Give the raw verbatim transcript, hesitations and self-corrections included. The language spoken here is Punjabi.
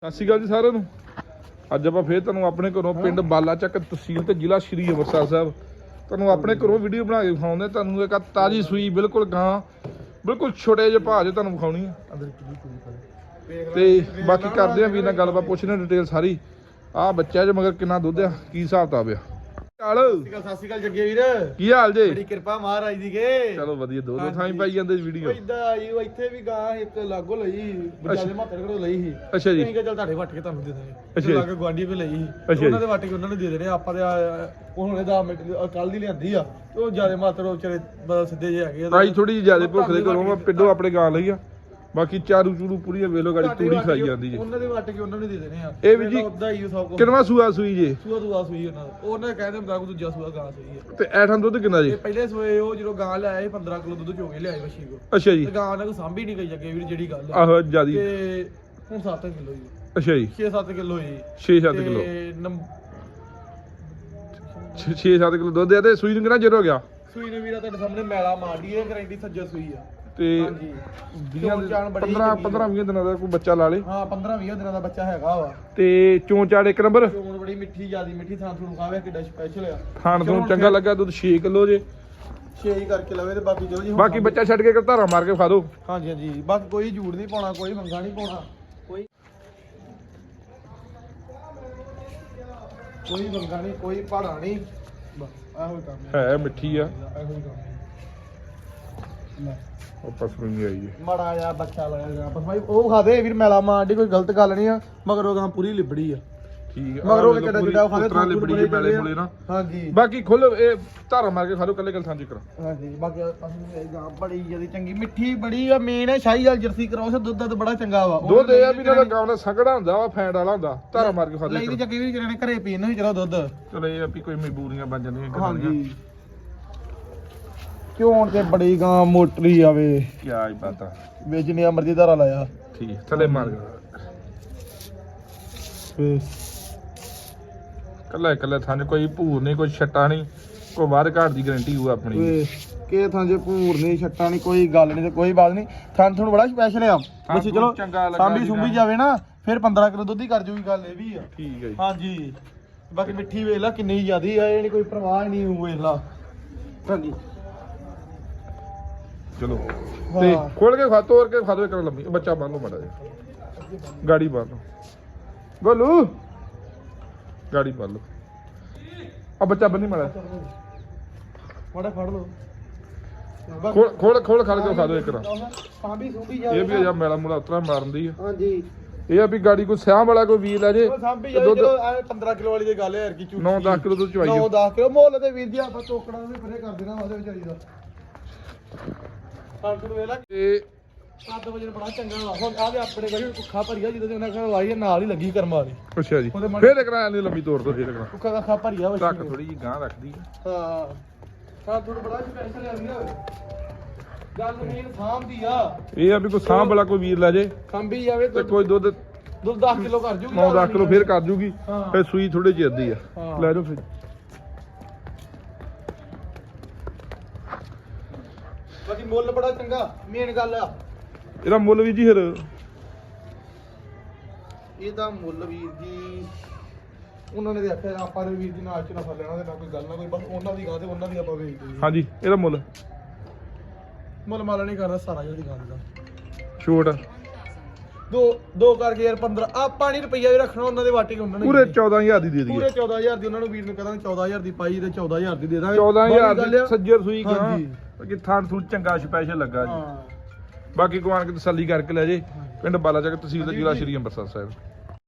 ਸਤਿ ਸ਼੍ਰੀ ਅਕਾਲ ਜੀ ਸਾਰਿਆਂ ਨੂੰ। ਅੱਜ ਆਪਾਂ ਫੇਰ ਤੁਹਾਨੂੰ ਆਪਣੇ ਘਰੋਂ ਪਿੰਡ ਬਾਲਾ ਚੱਕ ਤਹਿਸੀਲ ਤੇ ਜ਼ਿਲ੍ਹਾ ਸ਼੍ਰੀ ਅੰਮ੍ਰਿਤਸਰ ਸਾਹਿਬ ਤੁਹਾਨੂੰ ਆਪਣੇ ਘਰੋਂ ਵੀਡੀਓ ਬਣਾ ਕੇ ਵਿਖਾਉਂਦੇ। ਤੁਹਾਨੂੰ ਇੱਕ ਤਾਜ਼ੀ ਸੂਈ ਬਿਲਕੁਲ ਗਾਂ ਬਿਲਕੁਲ ਛੋਟੇ ਜਿਹੇ ਭਾਅ 'ਚ ਤੁਹਾਨੂੰ ਵਿਖਾਉਣੀ ਆ ਤੇ ਬਾਕੀ ਕਰਦੇ ਆ ਵੀਰ ਨਾਲ ਗੱਲਬਾਤ, ਪੁੱਛਦੇ ਡਿਟੇਲ ਸਾਰੀ। ਆਹ ਬੱਚਾ ਜੇ ਮਗਰ ਕਿੰਨਾ ਦੁੱਧ ਆ, ਕੀ ਹਿਸਾਬ ਕਿਤਾਬ ਆ। ਸਤਿ ਸ਼੍ਰੀ ਅਕਾਲ ਜੱਗੇ ਵੀਰ, ਕੀ ਹਾਲ ਜੇ? ਬੜੀ ਕਿਰਪਾ ਮਹਾਰਾਜ ਦੀ ਕੇ। ਚਲੋ ਵਧੀਆ, ਦੋ ਦੋ ਥਾਂ ਹੀ ਪਾਈ ਜਾਂਦੇ ਵੀਡੀਓ। ਇਦਾਂ ਆਈ ਉਹ ਇੱਥੇ ਵੀ ਗਾਂ ਇੱਕ ਲਾਗੋ ਲਈ ਬਜਾਲੇ ਮਾਤਰ ਕੋਲ ਲਈ ਸੀ। ਅੱਛਾ ਜੀ, ਅਸੀਂ ਕਿਹਾ ਚੱਲ ਤੁਹਾਡੇ ਵੱਟ ਕੇ ਤੁਹਾਨੂੰ ਦੇ ਦਾਂਗੇ। ਅੱਛਾ ਲਾਗੇ ਗਵਾਂਢੀ ਵੀ ਲਈ ਸੀ, ਉਹਨਾਂ ਦੇ ਵੱਟ ਕੇ ਉਹਨਾਂ ਨੂੰ ਦੇ ਦੇਣੇ ਆਪਾਂ ਤੇ ਉਹ ਹੁਣੇ ਦਸ ਮਿੰਟ ਕੱਲ ਦੀ ਲਿਆਂਦੀ ਆ। ਉਹ ਜਿਆਦੇ ਮਾਤਰ ਉਹ ਵਿਚਾਰੇ ਬਸ ਸਿੱਧੇ ਜਿਹੇ ਹੈਗੇ ਭਾਈ ਥੋੜੀ ਜਿਹੀ ਜ਼ਿਆਦਾ ਭੁੱਖ ਦੇ ਘਰੋਂ ਪਿੰਡੋਂ ਆਪਣੇ ਗਾਂ ਲਈ ਆ। ਬਾਕੀ ਚਾਰੂ ਚੂਰੂ ਪੂਰੀ ਵੇਲੋ ਗਾੜੀ ਤੂੜੀ ਖਾਈ ਜਾਂਦੀ ਜੀ। ਉਹਨਾਂ ਦੇ ਵੱਟ ਕੇ ਉਹਨਾਂ ਨੂੰ ਦੇ ਦੇਣੇ ਆ। ਇਹ ਵੀ ਜੀ ਉਦਾਂ ਹੀ ਸਭ ਕੁਝ ਕਿੰਨਵਾਂ ਸੂਆ ਸੂਈ ਜੇ? ਸੂਆ ਦੂਆ ਸੂਈ ਉਹਨਾਂ ਦਾ, ਉਹਨਾਂ ਕਹਿੰਦੇ ਮੁਤਾਬਕ ਦੂਜਾ ਸੂਆ ਗਾਂ ਸੂਈ ਹੈ। ਤੇ ਐਠਾਂ ਦੁੱਧ ਕਿੰਨਾ ਜੀ? ਇਹ ਪਹਿਲੇ ਸੂਏ ਉਹ ਜਦੋਂ ਗਾਂ ਲਿਆਏ ਪੰਦਰਾਂ ਕਿਲੋ ਦੁੱਧ ਚੋਗੇ ਲਿਆਏ ਵਸ਼ੀ ਕੋ। ਅੱਛਾ ਜੀ, ਤੇ ਗਾਂ ਨਾਲ ਕੋਈ ਸਾਂਭੀ ਨਹੀਂ ਗਈ ਜੱਗੇ ਵੀਰ ਜਿਹੜੀ ਗੱਲ ਹੈ। ਆਹੋ ਜਿਆਦੀ। ਤੇ ਹੁਣ ਸੱਤ ਕਿਲੋ ਜੀ। ਅੱਛਾ ਜੀ, ਛੇ ਸੱਤ ਕਿਲੋ ਜੀ। ਛੇ ਸੱਤ ਕਿਲੋ ਤੇ ਨੰਬ- ਛੇ ਸੱਤ ਕਿਲੋ ਦੁੱਧ ਆ। ਤੇ ਸੂਈ ਨੂੰ ਕਿੰਨਾ ਚਿਰ ਹੋ ਗਿਆ? ਸੂਈ ਨੇ ਵੀਰਾ ਤੁਹਾਡੇ ਸਾਹਮਣੇ ਮੈਲਾ ਮਾਰਦੀ ਹੈ, ਗਰੰਟੀ ਸੱਜਾ ਸੂਈ ਆ। ਤੇ ਹਾਂਜੀ ਵੀਹਾਂ ਚਾਣ ਬੜੀ ਪੰਦਰਾਂ ਪੰਦਰਾਂ ਵੀਹ ਦਿਨਾਂ ਦਾ ਕੋਈ ਬੱਚਾ ਲਾ ਲੇ। ਹਾਂ ਪੰਦਰਾਂ ਵੀਹ ਦਿਨਾਂ ਦਾ ਬੱਚਾ ਹੈਗਾ ਵਾ। ਤੇ ਚੋਂ ਚਾੜ ਇੱਕ ਨੰਬਰ, ਚੋਣ ਬੜੀ ਮਿੱਠੀ ਜਿਆਦੀ ਮਿੱਠੀ ਥਾਂ ਤੁਹਾਨੂੰ ਖਾਵੇ ਕਿੱਡਾ ਸਪੈਸ਼ਲ ਆ। ਖਾਣ ਤੋਂ ਚੰਗਾ ਲੱਗਾ। ਦੁੱਧ ਛੇ ਕਿਲੋ ਜੇ। ਛੇ ਹੀ ਕਰਕੇ ਲਵੇ ਤੇ ਬਾਕੀ ਚਲੋ ਜੀ। ਬਾਕੀ ਬੱਚਾ ਛੱਡ ਕੇ ਧਾਰਾ ਮਾਰ ਕੇ ਖਾ ਦੋ। ਹਾਂਜੀ ਹਾਂਜੀ ਬਾਕੀ ਕੋਈ ਝੂੜ ਨਹੀਂ ਪਾਉਣਾ, ਕੋਈ ਮੰਗਾ ਨਹੀਂ ਪਾਉਣਾ, ਕੋਈ ਕੋਈ ਮੰਗਾ ਨਹੀਂ, ਕੋਈ ਪਹਾੜਾ ਨਹੀਂ। ਬਸ ਇਹੋ ਹੀ ਕੰਮ ਹੈ ਮਿੱਠੀ ਆ। ਇਹੋ ਹੀ ਕੰਮ ਲੈ ਉਹ ਪਸਮੀ ਆਈ ਹੈ। ਮਾੜਾ ਜਿਹਾ ਬੱਚਾ ਲਾਇਆ ਗਿਆ ਬਸ ਭਾਈ ਉਹ ਖਾਦੇ ਵੀਰ ਮੈਲਾ ਮਾਰਦੀ, ਕੋਈ ਗਲਤ ਗੱਲ ਨਹੀਂ ਆ। ਮਗਰ ਉਹ ਗਾਂ ਪੂਰੀ ਲਿਬੜੀ ਆ। ਠੀਕ ਆ, ਮਗਰ ਉਹ ਕਿੱਡਾ ਜਿੱਡਾ ਖਾਦੇ ਉਤਰਾਂ ਲਿਬੜੀ ਜੇ ਮੈਲੇ ਮੂਲੇ ਨਾ। ਹਾਂਜੀ ਬਾਕੀ ਖੁੱਲ ਇਹ ਧਾਰਾ ਮਾਰ ਕੇ ਖਾ ਲੋ ਕੱਲੇ ਕੱਲ ਥਾਂ ਜਿਕਰ। ਹਾਂਜੀ ਬਾਕੀ ਅਸੀਂ ਗਾਂ ਬੜੀ ਜਿਆਦੀ ਚੰਗੀ ਮਿੱਠੀ ਬੜੀ ਆ। ਮੇਨ ਹੈ ਸ਼ਾਹੀ ਵਾਲ ਜਰਸੀ ਕਰਾਉਸ, ਦੁੱਧ ਦਾ ਬੜਾ ਚੰਗਾ ਵਾ। ਦੁੱਧ ਇਹ ਆ ਵੀ ਇਹਨਾਂ ਦਾ ਗਾਂ ਦਾ ਸੰਘਣਾ ਹੁੰਦਾ ਵਾ, ਫੈਂਟ ਵਾਲਾ ਹੁੰਦਾ। ਧਾਰਾ ਮਾਰ ਕੇ ਖਾ ਲਈ ਦੇ। ਦੀ ਚੱਕੀ ਵੀ ਜਿਹੜੇ ਘਰੇ ਪੀਣ ਨੂੰ ਹੀ ਚਲੋ ਦੁੱਧ। ਚਲੋ ਇਹ ਆ ਵੀ ਕੋਈ ਮਜਬੂਰੀਆਂ ਬਣ ਜਾਂਦੀਆਂ। ਹਾਂਜੀ ਕਿਉਂ ਤੇ ਬੜੀ ਗਾਂ ਮੋਟਰੀ ਆਵੇ ਕੀ ਆਈ ਪਤਾ ਵੇਚਣੀ ਆ ਮਰਜ਼ੀ ਧਾਰਾ ਲਾਇਆ। ਠੀਕ ਥੱਲੇ ਮਾਰ ਫੇ ਕੱਲਾ ਕੱਲਾ ਥਾਂ ਕੋਈ ਭੂਰ ਨਹੀਂ, ਕੋਈ ਛੱਟਾ ਨਹੀਂ, ਕੋਈ ਵਾਰ ਘਾਟ ਦੀ ਗਾਰੰਟੀ ਹੋਊ ਆਪਣੀ। ਵੇ ਕੇ ਥਾਂ ਜੇ ਭੂਰ ਨਹੀਂ ਛੱਟਾ ਨਹੀਂ, ਕੋਈ ਗੱਲ ਨਹੀਂ ਤੇ ਕੋਈ ਬਾਤ ਨਹੀਂ। ਥਾਂ ਤੁਹਾਨੂੰ ਬੜਾ ਸਪੈਸ਼ਲ ਆ। ਬੱਚੀ ਚਲੋ ਸਾਂਭੀ ਸੁੰਭੀ ਜਾਵੇ ਨਾ ਫਿਰ ਪੰਦਰਾਂ ਕਿਲੋ ਦੁੱਧ ਹੀ ਕਰ ਜੂਗੀ। ਗੱਲ ਇਹ ਵੀ ਆ। ਠੀਕ ਹੈ ਜੀ। ਹਾਂਜੀ ਬਾਕੀ ਮਿੱਠੀ ਵੇਖ ਲਾ ਕਿੰਨੀ ਜ਼ਿਆਦੀ ਆ। ਇਹ ਨਹੀਂ ਕੋਈ ਪਰਵਾਹ ਨਹੀਂ ਵੇਖ ਲਾ। ਹਾਂਜੀ ਚਲੋ ਤੇ ਖੋਲ ਕੇ ਖਾ ਤੋੜ ਕੇ ਖਾ ਦੋ ਇੱਕ ਲੰਮੀ। ਬੱਚਾ ਬੰਨ ਲਓ ਮਾੜਾ ਜਿਹਾ, ਗਾੜੀ ਬੰਨ ਲਓ ਗੋਲੂ, ਗਾੜੀ ਬੰਨ ਲਓ। ਆ ਬੱਚਾ ਬੰਨੀ ਮਾੜਾ ਮਾੜਾ ਫੜ ਲਓ। ਖੋਲ ਖੋਲ ਖੋਲ ਖਾ ਕੇ ਖਾ ਦੋ ਇੱਕ ਨਾ। ਸਾਂਭੀ ਸੁੰਭੀ ਇਹ ਜਾਵੇ ਵੀ ਆ ਮੇਲਾ ਮੂਲਾ ਉਤਰਾ ਮਾਰਨ ਦੀ ਆ। ਹਾਂਜੀ ਇਹ ਆ ਵੀ ਗਾੜੀ ਕੋਈ ਸਿਆਹ ਵਾਲਾ ਕੋਈ ਵੀਰ ਲੈ ਜੇ ਉਹ ਸਾਂਭੀ ਜਾਵੇ ਚਲੋ ਐ ਪੰਦਰਾਂ ਕਿਲੋ ਵਾਲੀ ਦੀ ਗੱਲ ਹੈ ਯਾਰ ਕੀ ਝੂਠੀ। ਨੌ ਦਸ ਕਿਲੋ ਦੁੱਧ ਚਵਾਈ ਨੌ ਦਸ ਕਿਲੋ ਮੁੱਲ ਤੇ ਵੀਰ ਜੀ ਆਪਾਂ ਟੋਕੜਾ ਵੀ ਪਰੇ ਕਰ ਦੇਣਾ ਉਹਦੇ ਵਿਚਾਰੀ ਦਾ। ਸਾਨੂੰ ਵੇਖ ਲਾ ਤੇ ਸੱਤ ਵਜੇ ਬੜਾ ਚੰਗਾ ਵਾ। ਹੁਣ ਆ ਵੀ ਆਪਣੇ ਗੜੀ ਕੁੱਖਾ ਭਰੀਆ ਜਦੋਂ ਦੇ ਉਹਨਾਂ ਘਰ ਵਾਈ ਨਾਲ ਹੀ ਲੱਗੀ ਕਰਮ ਵਾਲੀ। ਅੱਛਾ ਜੀ, ਫੇਰ ਕਰਾ ਨਹੀਂ ਲੰਮੀ ਤੋੜ ਦੋ। ਫੇਰ ਕਰਾ ਕੁੱਖਾ ਦਾ ਖਾ ਭਰੀਆ ਵਾ। ਟੱਕ ਥੋੜੀ ਜੀ ਗਾਂ ਰੱਖਦੀ ਆ। ਹਾਂ ਹਾਂ ਤੁਹਾਨੂੰ ਬੜਾ ਸਪੈਸ਼ਲ ਆ ਵੀਰ। ਗੱਲ ਮੇਨ ਸਾਂਭ ਦੀ ਆ। ਇਹ ਆ ਵੀ ਕੋਈ ਸਾਂਭ ਵਾਲਾ ਕੋਈ ਵੀਰ ਲੈ ਜੇ ਸਾਂਭੀ ਜਾਵੇ ਤੇ ਕੋਈ ਦੁੱਧ ਦੁੱਧ ਦਸ ਕਿਲੋ ਕਰ ਜੂਗੀ। ਨੌ ਦਸ ਕਿਲੋ ਫੇਰ ਕਰ ਜੂਗੀ। ਹਾਂ। ਫੇਰ ਸੂਈ ਥੋੜੀ ਜਿਹੀ ਅੱਧੀ ਆ। ਹਾਂ। ਲੈ ਜਾਓ ਫਿਰ। ਬਾਕੀ ਮੁੱਲ ਬੜਾ ਚੰਗਾ ਮੇਨ ਗੱਲ ਆ। ਇਹਦਾ ਮੁੱਲ ਵੀ ਜੀ ਫਿਰ ਇਹਦਾ ਮੁੱਲ ਵੀਰ ਜੀ ਉਹਨਾਂ ਨੇ ਆਖਿਆ ਆਪਾਂ ਨੇ ਵੀਰ ਜੀ ਨਾਲ ਚ ਨਾ ਫੜ ਲੈਣਾ ਤੇ ਨਾ ਕੋਈ ਗੱਲ ਨਾ ਕੋਈ, ਬਸ ਉਹਨਾਂ ਦੀ ਗਾਂ ਤੇ ਉਹਨਾਂ ਦੀ ਆਪਾਂ ਵੇਚਦੇ। ਹਾਂਜੀ ਇਹਦਾ ਮੁੱਲ ਮੁੱਲ ਮਾਲਾ ਨਹੀਂ ਕਰਦਾ ਸਾਰਾ ਜਿਹੜੀ ਗਾਂ ਦਾ। ਛੋਟ ਦੋ ਦੋ ਕਰਕੇ ਯਾਰ ਪੰਦਰਾਂ ਆਪਾਂ ਨਹੀਂ ਰੁਪਈਆ ਵੀ ਰੱਖਣਾ ਉਹਨਾਂ ਦੇ ਵਾਟੇ ਉਹਨਾਂ ਨੇ ਪੂਰੇ ਚੌਦਾਂ ਹਜ਼ਾਰ ਦੀ ਦੇ ਦਈਏ। ਪੂਰੇ ਚੌਦਾਂ ਹਜ਼ਾਰ ਦੀ ਉਹਨਾਂ ਨੂੰ ਵੀਰ ਨੂੰ ਕਹਾਂਗੇ ਚੌਦਾਂ ਹਜ਼ਾਰ ਦੀ ਪਾਈ ਤੇ ਚੌਦਾਂ ਹਜ਼ਾਰ ਦੀ ਦੇ ਦਾਂਗੇ। ਚੌਦਾਂ ਹਜ਼ਾਰ ਦੀ ਸੱਜਰ ਸੂਈ ਗਾਂ। ਹਾਂਜੀ। ਬਾਕੀ ਥਾਂ ਥੂ ਚੰਗਾ ਸਪੈਸ਼ਲ ਲੱਗਾ ਜੀ। ਹਾਂ ਬਾਕੀ ਕੋਆਨ ਕੇ ਤਸੱਲੀ ਕਰਕੇ ਲੈ ਜੇ। ਪਿੰਡ ਬਾਲਾ ਚੱਕ ਤਹਿਸੀਲ ਦਾ ਜ਼ਿਲ੍ਹਾ ਸ਼੍ਰੀ ਅੰਮ੍ਰਿਤਸਰ ਸਾਹਿਬ।